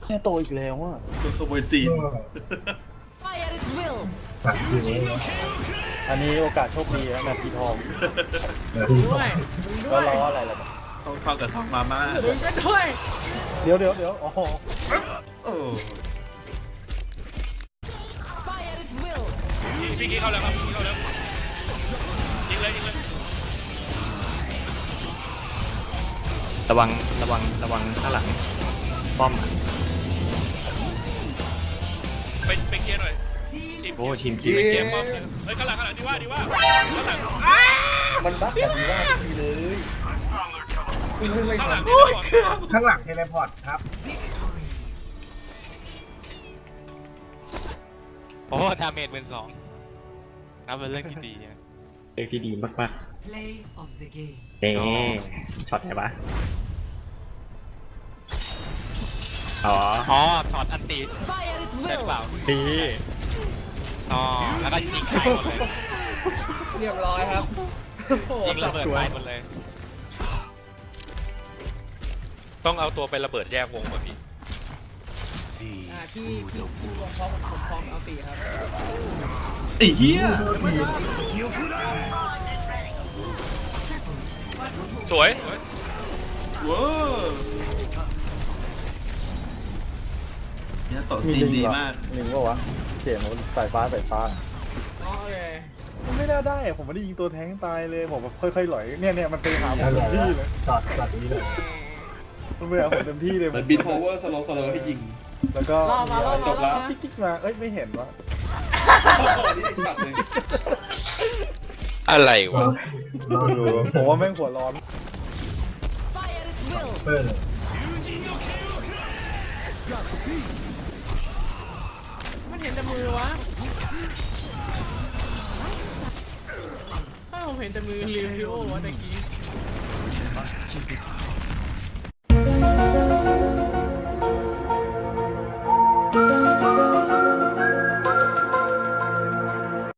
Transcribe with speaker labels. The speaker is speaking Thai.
Speaker 1: เนี่ยโตอีกแล้วอ่ะ
Speaker 2: ตัวขโมยซีน
Speaker 3: Fire at will.
Speaker 4: ตัดอยู่นี่
Speaker 1: อันนี้โอกาสโชคดีนะนาทีทอง
Speaker 5: ด้วยมึงด้
Speaker 1: ก็
Speaker 5: วย
Speaker 1: รออะไรล่ะ
Speaker 2: เข้ากับซองมาม่า
Speaker 5: มึงก็ด้วย
Speaker 1: เดี๋ยวอ๋อ
Speaker 2: โอ้
Speaker 3: Fire at will.
Speaker 6: พี่กี้เข้าแล้วครับพี่กี้เข้าแล้วยิงเลยยิงเลย
Speaker 7: ระวังข้างหลังป้อม
Speaker 6: ไปเคลียร์หน่อย
Speaker 7: โอ้ทีม
Speaker 6: ไปเคลียร์ป้อมเฮ้ยข้างหลังดีว่าข้างหลัง
Speaker 8: มันบั๊กแบบนี้ว่าทีเลยไม่
Speaker 6: ข้างหลัง
Speaker 8: ทำ
Speaker 6: นี่
Speaker 4: ข้างหลังเทเลพอร์ตครับ
Speaker 7: โอ้ดาเมจ12,000นับเป็นเรื่องที่ดีเรื่องที่ดีมากๆเอ๊ช็อตไหนวะอ๋อถอดอันตี
Speaker 3: Fire at
Speaker 7: ได้หรือเปล่า
Speaker 3: will.
Speaker 7: ดีอ๋อแล้วก็ยิงใส่หมดเลย
Speaker 5: เรียบร้อยครับโอ้โห
Speaker 7: ยิงระเบิดไปหมดเลย
Speaker 6: ต้องเอาตัวไประเบิดแยกวงป่ะพี่
Speaker 5: ที่วงพร้อมผมพร้อมเอาตีครับ
Speaker 2: ไอ้เหี้ย
Speaker 6: สวย
Speaker 2: ว้าวเนี่ยต่อซีนดีมาก
Speaker 1: ลิงก็วะเกมมันสายฟ้า
Speaker 5: โอเค
Speaker 1: มันไม่น่าได้อะผมไม่ได้ยิงตัวแท้งตายเลยผมแบบค่อยๆหลอยเนี่ยมันไปหาผมเต็มที่เลย
Speaker 4: ตัดนี้เลย
Speaker 1: มันไปหาผมเต็มที่เลย
Speaker 8: เหมือนบินโพเวอร์สโลว์ให้ยิง
Speaker 1: แล้วก็
Speaker 8: จบแล้ว
Speaker 1: จิ๊กมาเอ้ยไม่เห็นวะ
Speaker 8: นี่อีกช็อตหนึ่ง
Speaker 6: อะไรวะ
Speaker 1: ผมว่าแม่งหัวร้อน
Speaker 3: Fire at will.
Speaker 4: เพิ่ม
Speaker 5: มันเห็นแต่มือวะถ้าผมเห็นแต่มือลิวโอวะตะกี้